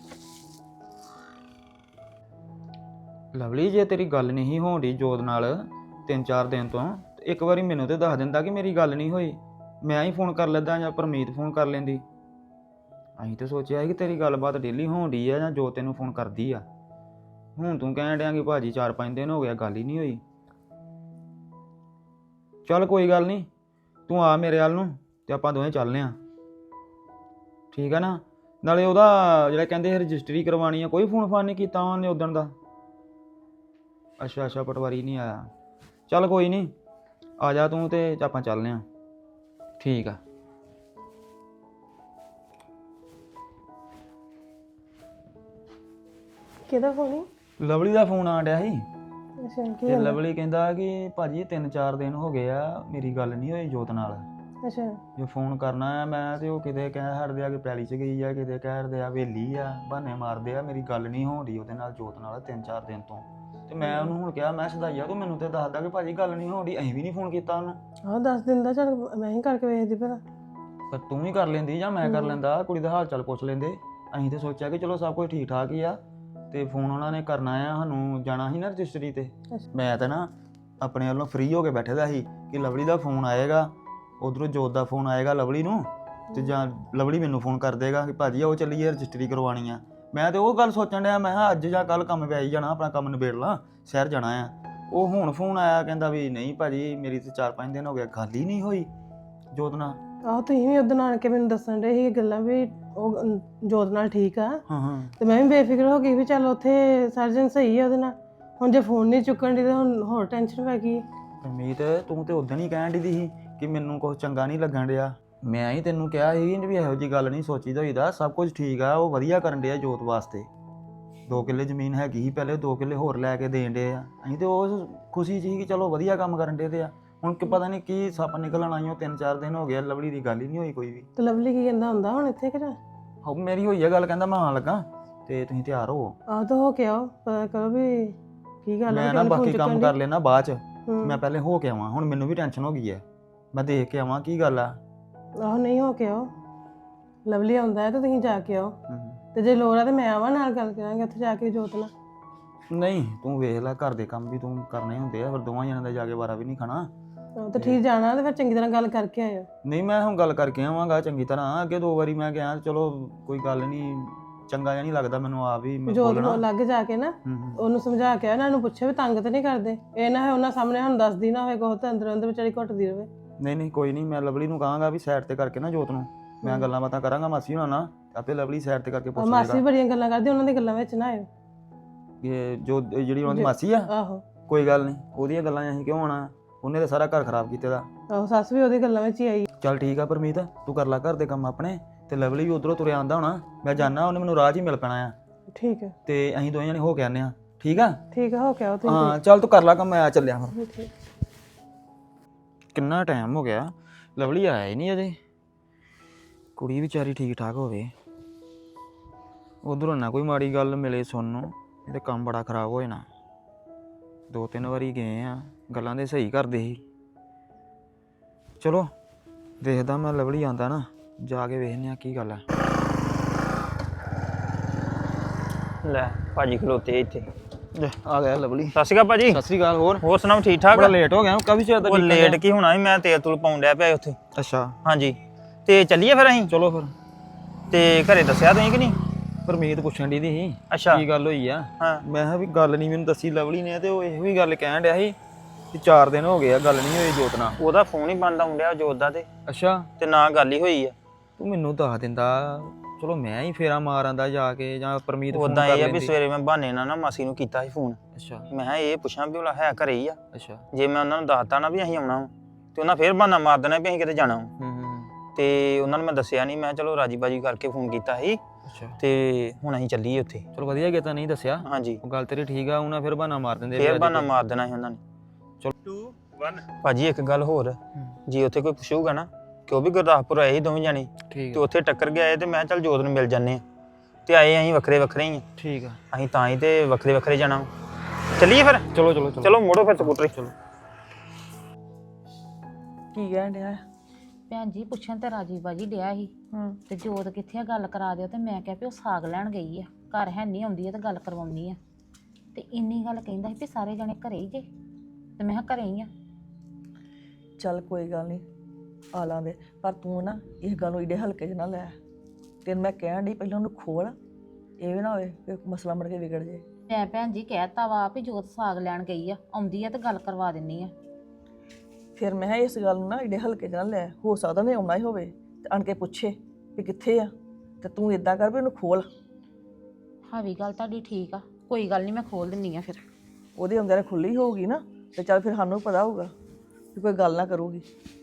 ਲਵਲੀ, ਜੇ ਤੇਰੀ ਗੱਲ ਨਹੀਂ ਹੋਣ ਡਈ ਜੋਤ ਨਾਲ ਤਿੰਨ ਚਾਰ ਦਿਨ ਤੋਂ, ਤੇ ਇੱਕ ਵਾਰੀ ਮੈਨੂੰ ਤੇ ਦੱਸ ਦਿੰਦਾ ਕਿ ਮੇਰੀ ਗੱਲ ਨਹੀਂ ਹੋਈ। ਮੈਂ ਹੀ ਫੋਨ ਕਰ ਲੈਂਦਾ ਜਾਂ ਪਰਮੀਤ ਫੋਨ ਕਰ ਲੈਂਦੀ। ਅਸੀਂ ਤੇ ਸੋਚਿਆ ਸੀ ਕਿ ਤੇਰੀ ਗੱਲਬਾਤ ਡੇਲੀ ਹੋਣ ਡਈ ਆ ਜਾਂ ਜੋ ਤੈਨੂੰ ਫੋਨ ਕਰਦੀ ਆ। ਹੁਣ ਤੂੰ ਕਹਿਣ ਡਿਆ ਕਿ ਭਾਜੀ ਚਾਰ ਪੰਜ ਦਿਨ ਹੋ ਗਿਆ ਗੱਲ ਹੀ ਨਹੀਂ ਹੋਈ। ਚੱਲ ਕੋਈ ਗੱਲ ਨਹੀਂ, ਤੂੰ ਆ ਮੇਰੇ ਵੱਲ ਨੂੰ ਤੇ ਆਪਾਂ ਦੋਵੇਂ ਚੱਲਦੇ ਆਂ, ਠੀਕ ਆ ਨਾ। ਨਾਲੇ ਉਹਦਾ ਜਿਹੜਾ ਕਹਿੰਦੇ ਰਜਿਸਟਰੀ ਕਰਵਾਉਣੀ ਆ, ਕੋਈ ਫੋਨ ਫਾਨ ਨਹੀਂ ਕੀਤਾ ਉਹਨੇ ਉਦਣ ਦਾ। ਅੱਛਾ ਅੱਛਾ, ਪਟਵਾਰੀ ਨਹੀਂ ਆਇਆ। ਚੱਲ ਕੋਈ ਨਹੀਂ, ਆ ਜਾ ਤੂੰ ਤੇ ਆਪਾਂ ਚੱਲਦੇ ਆਂ, ਠੀਕ ਆ। ਕਿਹਦਾ ਫੋਨ? ਲਵਲੀ ਦਾ ਫੋਨ ਆਣ ਡਿਆ ਸੀ, ਅੱਛਾ ਕੀ ਤੇ ਲਵਲੀ ਕਹਿੰਦਾ ਕਿ ਭਾਜੀ ਤਿੰਨ ਚਾਰ ਦਿਨ ਹੋ ਗਏ ਆ ਮੇਰੀ ਗੱਲ ਨਹੀਂ ਹੋਈ ਜੋਤ ਨਾਲ। ਅੱਛਾ ਜੇ ਫੋਨ ਕਰਨਾ ਆ ਮੈਂ ਤੇ ਉਹ ਕਿਤੇ ਕਹਿ ਹਟਦੇ ਆ ਕਿ ਪੈਲੀ 'ਚ ਗਈ ਆ, ਕਿਤੇ ਕਹਿ ਹਟਦੇ ਆ ਵੇਲੀ ਆ, ਬਹਾਨੇ ਮਾਰਦੇ ਆ। ਮੇਰੀ ਗੱਲ ਨਹੀਂ ਹੋਣ ਡਈ ਉਹਦੇ ਨਾਲ ਜੋਤ ਨਾਲ ਤਿੰਨ ਚਾਰ ਦਿਨ ਤੋਂ। ਤੇ ਮੈਂ ਉਹਨੂੰ ਹੁਣ ਕਿਹਾ, ਮੈਂ ਸਦਾਈਆ ਤੂੰ ਮੈਨੂੰ ਤੇ ਦੱਸਦਾ ਕਿ ਭਾਜੀ ਗੱਲ ਨਹੀਂ ਹੋਣ ਡਈ, ਅਸੀਂ ਵੀ ਨਹੀਂ ਫੋਨ ਕੀਤਾ ਉਹਨੂੰ। ਹਾਂ ਦੱਸ ਦਿੰਦਾ, ਚੱਲ ਮੈਂ ਹੀ ਕਰਕੇ ਵੇਖਦੀ ਭਲਾ। ਪਰ ਤੂੰ ਵੀ ਕਰ ਲੈਂਦੀ ਜਾਂ ਮੈਂ ਕਰ ਲੈਂਦਾ, ਕੁੜੀ ਦਾ ਹਾਲ ਚਾਲ ਪੁੱਛ ਲੈਂਦੇ। ਅਸੀਂ ਤੇ ਸੋਚਿਆ ਕਿ ਚਲੋ ਸਭ ਕੁਝ ਠੀਕ ਠਾਕ ਹੀ ਆ, ਤੇ ਫੋਨ ਉਹਨਾਂ ਨੇ ਕਰਨਾ ਆ, ਸਾਨੂੰ ਜਾਣਾ ਸੀ ਨਾ ਰਜਿਸਟਰੀ ਤੇ। ਮੈਂ ਤਾਂ ਨਾ ਆਪਣੇ ਵੱਲੋਂ ਫ੍ਰੀ ਹੋ ਕੇ ਬੈਠੇ ਦਾ ਸੀ ਕਿ ਲਵਲੀ ਦਾ ਫੋਨ ਆਏਗਾ, ਉਧਰੋਂ ਜੋਤ ਦਾ ਫੋਨ ਆਏਗਾ ਲਵਲੀ ਨੂੰ, ਤੇ ਜਾਂ ਲਵਲੀ ਮੈਨੂੰ ਫੋਨ ਕਰ ਦੇਗਾ ਕਿ ਭਾਜੀ ਉਹ ਚੱਲੀਏ ਰਜਿਸਟਰੀ ਕਰਵਾਉਣੀ ਆ। ਮੈਂ ਤੇ ਉਹ ਗੱਲ ਸੋਚਣ ਡਿਆ, ਮੈਂ ਕਿਹਾ ਅੱਜ ਜਾਂ ਕੱਲ ਕੰਮ ਪੈ ਹੀ ਜਾਣਾ, ਆਪਣਾ ਕੰਮ ਨਿਬੇੜ ਲਾਂ, ਸ਼ਹਿਰ ਜਾਣਾ ਆ। ਉਹ ਹੁਣ ਫੋਨ ਆਇਆ ਕਹਿੰਦਾ ਵੀ ਨਹੀਂ ਭਾਜੀ ਮੇਰੀ ਤੇ ਚਾਰ ਪੰਜ ਦਿਨ ਹੋ ਗਏ ਗੱਲ ਹੀ ਨਹੀਂ ਹੋਈ ਜੋਤ ਨਾਲ। ਆਹੋ ਤੁਸੀਂ ਵੀ ਉਦੋਂ ਆਣ ਕੇ ਮੈਨੂੰ ਦੱਸਣ ਦੇ ਸੀ ਗੱਲਾਂ ਵੀ ਉਹ ਅਮ, ਜੋਤ ਨਾਲ ਠੀਕ ਆ, ਹਾਂ ਹਾਂ ਤੇ ਮੈਂ ਵੀ ਬੇਫਿਕਰ ਹੋ ਗਈ ਵੀ ਚੱਲ ਉੱਥੇ ਸਰਜਨ ਸਹੀ ਆ ਉਹਦੇ ਨਾਲ। ਹੁਣ ਜੇ ਫੋਨ ਨਹੀਂ ਚੁੱਕਣ ਦੀ ਤਾਂ ਹੁਣ ਹੋਰ ਟੈਨਸ਼ਨ ਪੈ ਗਈ। ਅਮੀਤ ਤੂੰ ਤੇ ਉਦੋਂ ਹੀ ਕਹਿਣ ਦੀ ਸੀ ਕਿ ਮੈਨੂੰ ਕੁਝ ਚੰਗਾ ਨਹੀਂ ਲੱਗਣ ਡਿਆ। ਮੈਂ ਹੀ ਤੈਨੂੰ ਕਿਹਾ ਸੀ ਵੀ ਇਹੋ ਜਿਹੀ ਗੱਲ ਨਹੀਂ ਸੋਚੀਦਾ ਹੋਈਦਾ, ਸਭ ਕੁਝ ਠੀਕ ਆ, ਉਹ ਵਧੀਆ ਕਰਨ ਡਿਆ ਜੋਤ ਵਾਸਤੇ। ਦੋ ਕਿੱਲੇ ਜ਼ਮੀਨ ਹੈਗੀ ਸੀ ਪਹਿਲੇ, ਦੋ ਕਿੱਲੇ ਹੋਰ ਲੈ ਕੇ ਦੇਣ ਡੇ ਆ। ਅਸੀਂ ਤੇ ਉਹ ਖੁਸ਼ੀ ਸੀ ਕਿ ਚਲੋ ਵਧੀਆ ਕੰਮ ਕਰਨ ਡੇ ਤੇ ਆ। ਹੁਣ ਕਿ ਪਤਾ ਨਹੀਂ ਕੀ ਸੱਪ ਨਿਕਲਣ ਆਈਓ, ਤਿੰਨ ਚਾਰ ਦਿਨ ਹੋ ਗਏ ਲਵਲੀ ਦੀ ਗੱਲ ਹੀ ਨਹੀਂ ਹੋਈ ਕੋਈ ਵੀ। ਤੇ ਲਵਲੀ ਕੀ ਕਹਿੰਦਾ ਹੁੰਦਾ ਹੁਣ ਇੱਥੇ ਕਿ ਨਾ? ਹੋ ਮੇਰੀ ਹੋਈ ਆ ਗੱਲ, ਕਹਿੰਦਾ ਮੈਂ ਆਉਣ ਲੱਗਾ ਤੇ ਤੁਸੀਂ ਤਿਆਰ ਹੋ। ਆਹ ਤਾਂ ਹੋ ਕੇ ਆਓ, ਪਤਾ ਕਰੋ ਵੀ ਕੀ ਗੱਲ ਮੈਂ ਹੈ। ਨਾ ਗੱਲ ਬਾਕੀ ਫੋਨ ਕੰਮ ਕਰ ਲੈਣਾ ਬਾਅਦ ਚ, ਹੂੰ। ਮੈਂ ਪਹਿਲੇ ਹੋ ਕੇ ਆਵਾਂ। ਹੁਣ ਮੈਨੂੰ ਵੀ ਟੈਨਸ਼ਨ ਹੋ ਗਈ ਹੈ, ਮੈਂ ਦੇਖ ਕੇ ਆਵਾਂ ਕੀ ਗੱਲ ਆ। ਆਹੋ ਨਹੀਂ ਹੋ ਕੇ ਆਓ, ਲਵਲੀ ਆਉਂਦਾ ਹੈ ਤਾਂ ਤੁਸੀਂ ਜਾ ਕੇ ਆਓ, ਹਮ। ਤੇ ਜੇ ਲੋੜ ਆ ਤੇ ਮੈਂ ਆਵਾਂ ਨਾਲ ਗੱਲ ਕਰਾਂਗੇ ਉੱਥੇ ਜਾ ਕੇ ਜੋਤ ਨਾਲ। ਨਹੀਂ ਤੂੰ ਵੇਖ ਲੈ, ਘਰ ਦੇ ਕੰਮ ਵੀ ਤੂੰ ਕਰਨੇ ਹੁੰਦੇ ਆ, ਫਿਰ ਦੋਵਾਂ ਜਣਾਂ ਦਾ ਜਾ ਕੇ ਵਾਰਾ ਵੀ ਨਹੀਂ ਖਾਣਾ। ਆਹੋ ਤੇ ਠੀਕ ਜਾਣਾ ਤੇ ਫਿਰ ਚੰਗੀ ਤਰ੍ਹਾਂ ਗੱਲ ਕਰਕੇ ਆਇਓ। ਨਹੀਂ ਮੈਂ ਹੁਣ ਗੱਲ ਕਰਕੇ ਆਵਾਂਗਾ ਚੰਗੀ ਤਰ੍ਹਾਂ। ਅੱਗੇ ਦੋ ਵਾਰੀ ਮੈਂ ਗਿਆ, ਚਲੋ ਕੋਈ ਗੱਲ ਨਹੀਂ, ਚੰਗਾ ਜਿਹਾ ਨਹੀਂ ਲੱਗਦਾ ਮੈਨੂੰ ਆਪ ਵੀ ਮੈਂ ਜੋਤ ਬੋਲਣਾ। ਨੂੰ ਲੱਗ ਜਾ ਕੇ ਨਾ ਹੂੰ ਹੂੰ। ਉਹਨੂੰ ਸਮਝਾ ਕੇ ਇਹਨਾਂ ਨੂੰ ਪੁੱਛੇ ਵੀ ਤੰਗ ਤੇ ਨਹੀਂ ਕਰਦੇ, ਇਹ ਨਾ ਹੈ ਉਹਨਾਂ ਸਾਹਮਣੇ ਹੁਣ ਦੱਸਦੀ ਨਾ ਹੋਵੇ ਕੋਹ ਤੇ ਅੰਦਰ ਅੰਦਰ ਵਿਚਾਰੀ ਘੁੱਟਦੀ ਰਵੇ। ਨਹੀਂ ਨਹੀਂ ਕੋਈ ਨਹੀਂ, ਮੈਂ ਲਵਲੀ ਨੂੰ ਕਹਾਂਗਾ ਵੀ ਸਾਈਡ ਤੇ ਕਰਕੇ ਨਾ ਜੋਤ ਨੂੰ ਮੈਂ ਗੱਲਾਂ ਬਾਤਾਂ ਕਰਾਂਗਾ ਮਾਸੀ ਹੁਣਾਂ ਨਾਲ, ਆਪੇ ਲਵਲੀ ਸਾਈਡ ਤੇ ਕਰਕੇ ਪੁੱਛ ਮਾਸੀ ਵੀ ਲੇਗਾ ਬੜੀਆਂ ਗੱਲਾਂ ਕਰਦੀ, ਉਹਨਾਂ ਦੀ ਗੱਲਾਂ ਵਿੱਚ ਨਾ ਆਇਓ। ਕਿ ਜੋ ਜਿਹੜੀ ਉਹਨਾਂ ਦੀ ਜੋ- ਮਾਸੀ ਆ, ਆਹੋ ਕੋਈ ਗੱਲ ਨਹੀਂ, ਉਹਦੀਆਂ ਗੱਲਾਂ 'ਚ ਅਸੀਂ ਕਿਉਂ ਆਉਣਾ, ਉਹਨੇ ਤਾਂ ਸਾਰਾ ਘਰ ਖਰਾਬ ਕੀਤੇ ਦਾ। ਆਹੋ ਸੱਸ ਵੀ ਉਹਦੀ ਗੱਲਾਂ ਵਿੱਚ ਹੀ ਆਈ। ਚੱਲ ਠੀਕ ਆ ਪਰਮੀਤ, ਤੂੰ ਕਰ ਲੈ ਘਰ ਦੇ ਕੰਮ ਆਪਣੇ, ਤੇ ਲਵਲੀ ਵੀ ਉਧਰੋਂ ਤੁਰਿਆ ਆਂਦਾ ਹੋਣਾ, ਮੈਂ ਜਾਣਾ, ਉਹਨੇ ਮੈਨੂੰ ਰਾਹ 'ਚ ਹੀ ਮਿਲ ਪੈਣਾ ਆ, ਠੀਕ ਹੈ ਤੇ ਅਸੀਂ ਦੋਵੇਂ ਜਣੇ ਹੋ ਕੇ ਆਨੇ ਆ। ਠੀਕ ਆ? ਠੀਕ ਹੈ ਹੋ ਕੇ ਆਓ ਤੁਸੀਂ। ਹਾਂ ਚੱਲ ਤੂੰ ਕਰ ਲੈ ਕੰਮ, ਮੈਂ ਆ ਚੱਲਿਆ ਫਿਰ। ਠੀਕ। ਕਿੰਨਾ ਟਾਈਮ ਹੋ ਗਿਆ, ਲਵਲੀ ਆਇਆ ਹੀ ਨਹੀਂ ਅਜੇ। ਕੁੜੀ ਵਿਚਾਰੀ ਠੀਕ ਠਾਕ ਹੋਵੇ, ਉਧਰੋਂ ਨਾ ਕੋਈ ਮਾੜੀ ਗੱਲ ਮਿਲੇ ਸੁਣਨ ਨੂੰ, ਇਹ ਤੇ ਕੰਮ ਬੜਾ ਖਰਾਬ ਹੋ ਜਾਣਾ। ਦੋ ਤਿੰਨ ਵਾਰੀ ਗਏ ਆ, ਗੱਲਾਂ ਦੇ ਸਹੀ ਕਰਦੇ ਸੀ। ਚਲੋ ਦੇਖਦਾ ਮੈਂ, ਲਵਲੀ ਆਂਦਾ ਨਾ, ਜਾ ਕੇ ਵੇਖਦੇ ਆ ਕੀ ਗੱਲ ਆ। ਲੈ ਭਾਜੀ ਖਲੋਤੇ ਇੱਥੇ। ਆ ਗਿਆ ਲਵਲੀ। ਸਤਿ ਸ਼੍ਰੀ ਅਕਾਲ ਭਾਜੀ। ਸਤਿ ਸ੍ਰੀ ਅਕਾਲ। ਹੋਰ ਹੋਰ ਸੁਣਾਓ ਠੀਕ ਠਾਕ? ਬੜਾ ਲੇਟ ਹੋ ਗਿਆ, ਕਾਫੀ ਚਿਰ ਦਾ ਉਹ ਲੇਟ ਕੀ ਹੋਣਾ ਸੀ, ਮੈਂ ਤੇਲ ਤੂਲ ਪਾਉਣ ਡਿਆ ਪਿਆ ਉੱਥੇ। ਅੱਛਾ ਹਾਂਜੀ ਤੇ ਚੱਲੀਏ ਫਿਰ ਅਸੀਂ? ਚਲੋ ਫਿਰ। ਤੇ ਘਰੇ ਦੱਸਿਆ ਤੁਸੀਂ ਕਿ ਨਹੀਂ? ਪਰਮੀਤ ਪੁੱਛਣ ਦੀ ਸੀ ਅੱਛਾ ਕੀ ਗੱਲ ਹੋਈ ਆ। ਹਾਂ। ਮੈਂ ਕਿਹਾ ਵੀ ਗੱਲ ਨਹੀਂ ਮੈਨੂੰ ਦੱਸੀ ਲਵਲੀ ਨੇ, ਤੇ ਉਹ ਇਹੋ ਹੀ ਗੱਲ ਕਹਿਣ ਡਿਆ ਸੀ ਕਿ ਚਾਰ ਦਿਨ ਹੋ ਗਏ ਆ ਗੱਲ ਨਹੀਂ ਹੋਈ ਜੋਤ ਨਾਲ। ਉਹਦਾ ਫੋਨ ਹੀ ਬੰਦ ਆਉਣ ਡਿਆ ਜੋਤ ਦਾ, ਤੇ ਅੱਛਾ ਤੇ ਨਾ ਗੱਲ ਹੀ ਹੋਈ ਆ। ਤੂੰ ਮੈਨੂੰ ਦੱਸ ਦਿੰਦਾ, ਚਲੋ ਮੈਂ ਹੀ ਫੇਰਾ ਮਾਰ ਆਂਦਾ ਜਾ ਕੇ, ਜਾਂ ਪਰਮੀਤ ਫੋਨ ਉਦਾਂ ਕਰ ਇਹ ਆ ਵੀ ਲੈਂਦੀ। ਸਵੇਰੇ ਮੈਂ ਬਹਾਨੇ ਨਾਲ ਨਾ ਮਾਸੀ ਨੂੰ ਕੀਤਾ ਸੀ ਫੋਨ, ਅੱਛਾ ਮੈਂ ਕਿਹਾ ਇਹ ਪੁੱਛਾਂ ਵੀ ਉਹ ਹੈ ਘਰੇ ਹੀ ਆ। ਅੱਛਾ। ਜੇ ਮੈਂ ਉਹਨਾਂ ਨੂੰ ਦੱਸਤਾ ਨਾ ਵੀ ਅਸੀਂ ਆਉਣਾ ਵਾ, ਤੇ ਉਹਨਾਂ ਫੇਰ ਬਹਾਨਾ ਮਾਰ ਦੇਣਾ ਵੀ ਅਸੀਂ ਕਿਤੇ ਜਾਣਾ ਵਾ। ਹੂੰ ਹੂੰ। ਤੇ ਉਹਨਾਂ ਨੂੰ ਮੈਂ ਦੱਸਿਆ ਨਹੀਂ, ਮੈਂ ਚਲੋ ਰਾਜੀ ਬਾਜੀ ਕਰਕੇ ਫੋਨ ਕੀਤਾ ਸੀ, ਅੱਛਾ ਤੇ ਹੁਣ ਅਸੀਂ ਚੱਲੀਏ ਉੱਥੇ। ਚਲੋ ਵਧੀਆ ਕੀਤਾ ਨਹੀਂ ਦੱਸਿਆ। ਹਾਂਜੀ ਉਹ ਗੱਲ ਤੇਰੀ ਠੀਕ ਆ, ਉਹਨਾਂ ਫਿਰ ਬਹਾਨਾ ਮਾਰ ਦਿੰਦੇ ਫੇਰ ਬਹਾਨਾ ਮਾਰ ਦੇਣਾ ਸੀ ਉਹਨਾਂ ਨੇ। ਚਲੋ ਟੂ ਵਨ। ਭਾਜੀ ਇੱਕ ਗੱਲ ਹੋਰ, ਜੇ ਉੱਥੇ ਕੋਈ ਪੁੱਛੂਗਾ ਨਾ ਕਿ ਉਹ ਵੀ ਗੁਰਦਾਸਪੁਰ ਆਏ ਸੀ ਦੋਵੇਂ ਜਾਣੇ, ਠੀਕ ਤੇ ਆ ਉੱਥੇ ਟੱਕਰ ਗਏ, ਤੇ ਮੈਂ ਚੱਲ ਜੋਤ ਨੂੰ ਮਿਲ ਜਾਂਦੇ ਆ, ਤੇ ਆਏ ਅਸੀਂ ਵੱਖਰੇ ਵੱਖਰੇ ਹੀ ਆ, ਠੀਕ ਆ। ਅਸੀਂ ਤਾਂ ਹੀ ਤੇ ਵੱਖਰੇ ਵੱਖਰੇ ਜਾਣਾ ਵਾ। ਚੱਲੀਏ ਫਿਰ? ਚਲੋ ਚਲੋ ਚਲੋ ਮੋੜੋ ਫਿਰ ਸਕੂਟਰ। ਚਲੋ। ਕੀ ਕਹਿਣ ਡਿਆ? ਭੈਣ ਜੀ ਪੁੱਛਣ ਤੇ ਰਾਜੀ ਬਾਜੀ ਡਿਆ ਸੀ ਹੂੰ। ਤੇ ਜੋਤ ਕਿੱਥੇ ਆ, ਗੱਲ ਕਰਾ ਦਿਓ। ਤੇ ਮੈਂ ਕਿਹਾ ਵੀ ਉਹ ਸਾਗ ਲੈਣ ਗਈ ਆ, ਘਰ ਹੈ ਨਹੀਂ, ਆਉਂਦੀ ਆ ਤੇ ਗੱਲ ਕਰਵਾਉਣੀ ਆ। ਤੇ ਇੰਨੀ ਗੱਲ ਕਹਿੰਦਾ ਸੀ ਵੀ ਸਾਰੇ ਜਣੇ ਘਰੇ ਹੀ ਜੇ, ਤੇ ਮੈਂ ਕਿਹਾ ਘਰੇ ਹੀ ਆ। ਚੱਲ ਕੋਈ ਗੱਲ ਨਹੀਂ, ਆ ਲਾਂਦੇ, ਪਰ ਤੂੰ ਨਾ ਇਸ ਗੱਲ ਨੂੰ ਏਡੇ ਹਲਕੇ 'ਚ ਨਾ ਲੈ। ਤੈਨੂੰ ਮੈਂ ਕਹਿਣ ਡਈ ਪਹਿਲਾਂ ਉਹਨੂੰ ਖੋਲ, ਇਹ ਵੀ ਨਾ ਹੋਵੇ ਕਿ ਮਸਲਾ ਮੁੜ ਕੇ ਵਿਗੜ ਜੇ। ਮੈਂ ਭੈਣ ਜੀ ਕਹਿਤਾ ਵਾ ਵੀ ਜੋਤ ਸਾਗ ਲੈਣ ਗਈ ਆ, ਆਉਂਦੀ ਆ ਤੇ ਗੱਲ ਕਰਵਾ ਦਿੰਨੀ ਆ। ਫਿਰ ਮੈਂ ਕਿਹਾ ਇਸ ਗੱਲ ਨੂੰ ਨਾ ਏਡੇ ਹਲਕੇ 'ਚ ਨਾ ਲੈ, ਹੋ ਸਕਦਾ ਨੇ ਆਉਣਾ ਹੀ ਹੋਵੇ ਤੇ ਆਣ ਕੇ ਪੁੱਛੇ ਵੀ ਕਿੱਥੇ ਆ, ਤੇ ਤੂੰ ਇਦਾਂ ਕਰ ਵੀ ਉਹਨੂੰ ਖੋਲ। ਹਾਂ ਵੀ ਗੱਲ ਤੁਹਾਡੀ ਠੀਕ ਆ, ਕੋਈ ਗੱਲ ਨਹੀਂ, ਮੈਂ ਖੋਲ ਦਿੰਨੀ ਆ। ਫਿਰ ਉਹਦੇ ਅੰਦਰ ਖੁੱਲੀ ਹੋਊਗੀ ਨਾ, ਤੇ ਚੱਲ ਫਿਰ ਸਾਨੂੰ ਪਤਾ ਹੋਊਗਾ ਕਿ ਕੋਈ ਗੱਲ ਨਾ ਕਰੂਗੀ।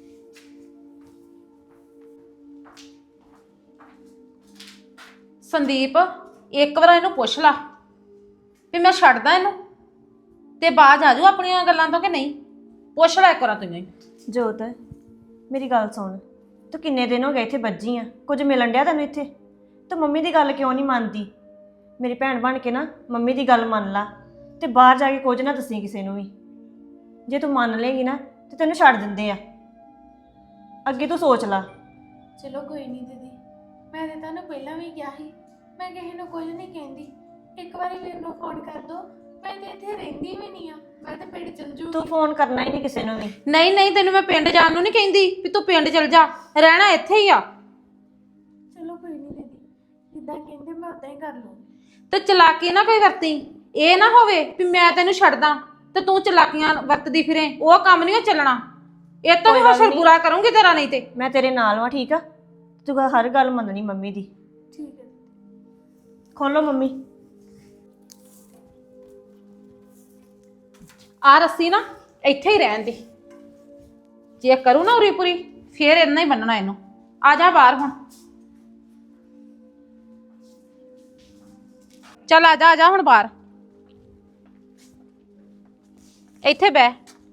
ਸੰਦੀਪ ਇੱਕ ਵਾਰ ਇਹਨੂੰ ਪੁੱਛ ਲਾ ਵੀ ਮੈਂ ਛੱਡਦਾ ਇਹਨੂੰ, ਤੇ ਬਾਅਦ ਆ ਜਾਊ ਆਪਣੀਆਂ ਗੱਲਾਂ ਤੋਂ ਕਿ ਨਹੀਂ। ਪੁੱਛ ਲੈ ਇੱਕ ਵਾਰ ਤੂੰ ਹੀ। ਜੋਤ ਮੇਰੀ ਗੱਲ ਸੁਣ, ਤੂੰ ਕਿੰਨੇ ਦਿਨ ਹੋ ਗਏ ਇੱਥੇ ਬੱਜੀ ਆ, ਕੁਝ ਮਿਲਣ ਡਿਆ ਤੈਨੂੰ ਇੱਥੇ? ਤੂੰ ਮੰਮੀ ਦੀ ਗੱਲ ਕਿਉਂ ਨਹੀਂ ਮੰਨਦੀ? ਮੇਰੀ ਭੈਣ ਬਣ ਕੇ ਨਾ ਮੰਮੀ ਦੀ ਗੱਲ ਮੰਨ ਲਾ, ਤੇ ਬਾਹਰ ਜਾ ਕੇ ਕੁਝ ਨਾ ਦੱਸੀ ਕਿਸੇ ਨੂੰ ਵੀ। ਜੇ ਤੂੰ ਮੰਨ ਲੇਗੀ ਨਾ ਤੇ ਤੈਨੂੰ ਛੱਡ ਦਿੰਦੇ ਆ। ਅੱਗੇ ਤੂੰ ਸੋਚ ਲਾ। ਚਲੋ ਕੋਈ ਨਹੀਂ ਦੀਦੀ, ਮੈਂ ਤਾਂ ਤੁਹਾਨੂੰ ਪਹਿਲਾਂ ਵੀ ਕਿਹਾ ਸੀ ਮੈਂ ਕਿਸੇ ਨੂੰ ਕੁਝ ਨਹੀਂ ਕਹਿੰਦੀ। ਇੱਕ ਵਾਰੀ ਮੈਨੂੰ ਫੋਨ ਕਰ ਦੋ, ਮੈਂ ਤੇ ਇੱਥੇ ਰਹਿੰਦੀ ਵੀ ਨਹੀਂ ਆ, ਮੈਂ ਤਾਂ ਪਿੰਡ ਚਲ ਜੂਗੀ। ਤੂੰ ਫੋਨ ਕਰਨਾ ਹੀ ਨਹੀਂ ਕਿਸੇ ਨੂੰ ਵੀ। ਨਹੀਂ ਨਹੀਂ, ਤੈਨੂੰ ਮੈਂ ਪਿੰਡ ਜਾਣ ਨੂੰ ਨਹੀਂ ਕਹਿੰਦੀ ਵੀ ਤੂੰ ਪਿੰਡ ਚਲ ਜਾ, ਰਹਿਣਾ ਇੱਥੇ ਹੀ ਆ। ਜਿੱਦਾਂ ਕਹਿੰਦੇ ਮੈਂ ਉਦਾਂ ਹੀ ਕਰ ਲੂੰ। ਤੇ ਚਲਾਕੀ ਨਾ ਕੋਈ ਵਰਤੀ, ਇਹ ਨਾ ਹੋਵੇ ਵੀ ਮੈਂ ਤੈਨੂੰ ਛੱਡਦਾ ਤੇ ਤੂੰ ਚਲਾਕੀਆਂ ਵਰਤਦੀ ਫਿਰੇ, ਉਹ ਕੰਮ ਨਹੀਂ ਉਹ ਚੱਲਣਾ। ਇਹ ਤੋਂ ਵੀ ਕੋਈ ਗੱਲ ਹਸ਼ਰ ਨਹੀਂ। ਬੁਰਾ ਕਰੂੰਗੀ ਤੇਰਾ ਨਹੀਂ ਤੇ। ਮੈਂ ਤੇਰੇ ਨਾਲ ਵਾਂ, ਠੀਕ ਆ? ਤੂੰ ਹਰ ਗੱਲ ਮੰਨਣੀ ਮੰਮੀ ਦੀ। ਠੀਕ ਹੈ। ਖੋਲੋ ਮੰਮੀ। ਆ ਰੱਸੀ ਨਾ ਇੱਥੇ ਹੀ ਰਹਿਣ ਦੇ, ਜੇ ਕਰੂ ਨਾ ਉਰੀ ਪੁਰੀ ਫੇਰ ਇੰਨਾ ਹੀ ਬੰਨਣਾ ਇਹਨੂੰ। ਆ ਜਾ ਬਾਹਰ ਹੁਣ, ਚੱਲ ਆ ਜਾ ਆ ਜਾ ਹੁਣ ਬਾਹਰ, ਇੱਥੇ ਬਹਿ।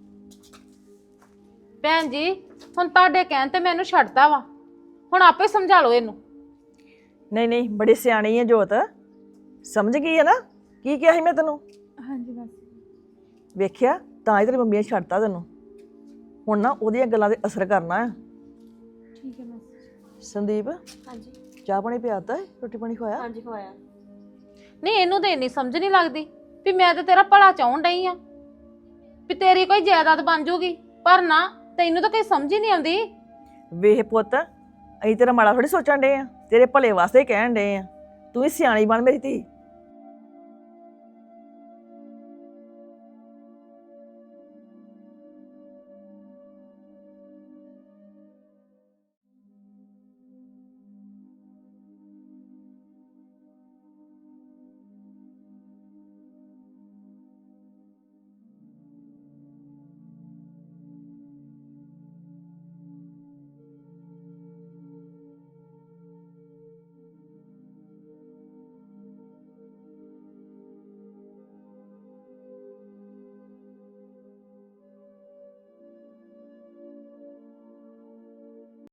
ਭੈਣ ਜੀ ਹੁਣ ਤੁਹਾਡੇ ਕਹਿਣ ਤੇ ਮੈਨੂੰ ਛੱਡਤਾ ਵਾ, ਹੁਣ ਆਪੇ ਸਮਝਾ ਲਓ ਇਹਨੂੰ। ਨਹੀਂ ਨਹੀਂ, ਬੜੀ ਸਿਆਣੀ ਹੈ ਜੋਤ, ਸਮਝ ਗਈ ਹੈ ਨਾ ਕੀ ਕਿਹਾ ਸੀ ਮੈਂ ਤੈਨੂੰ? ਹਾਂਜੀ ਬਸ। ਵੇਖਿਆ ਤਾਂ ਹੀ ਤੇਰੀ ਮੰਮੀ ਨੇ ਛੱਡਤਾ ਤੈਨੂੰ। ਹੁਣ ਨਾ ਉਹਦੀਆਂ ਗੱਲਾਂ ਤੇ ਅਸਰ ਕਰਨਾ ਆ। ਠੀਕ ਹੈ ਬਸ। ਸੰਦੀਪ, ਹਾਂਜੀ ਚਾਹ ਪਾਣੀ ਪਿਆਤਾ ਹੈ? ਰੋਟੀ ਪਾਣੀ ਖਵਾਇਆ? ਹਾਂਜੀ ਖਵਾਇਆ। ਨਹੀਂ ਇਹਨੂੰ ਤੇ ਇੰਨੀ ਸਮਝ ਨਹੀਂ ਲੱਗਦੀ ਵੀ ਮੈਂ ਤੇ ਤੇਰਾ ਭਲਾ ਚਾਹੁਣ ਡਈ ਆ, ਵੀ ਤੇਰੀ ਕੋਈ ਜਾਇਦਾਦ ਬਣ ਜੂਗੀ, ਪਰ ਨਾ ਤੈਨੂੰ ਤਾਂ ਕੋਈ ਸਮਝ ਹੀ ਨਹੀਂ ਆਉਂਦੀ। ਵੇਖ ਪੁੱਤ, ਅਸੀਂ ਤੇਰਾ ਮਾੜਾ ਥੋੜੀ ਸੋਚਣ ਡੇ ਆ, ਤੇਰੇ ਭਲੇ ਵਾਸਤੇ ਕਹਿਣ ਡੇ ਆ। ਤੂੰ ਵੀ ਸਿਆਣੀ ਬਣ ਮੇਰੀ ਧੀ।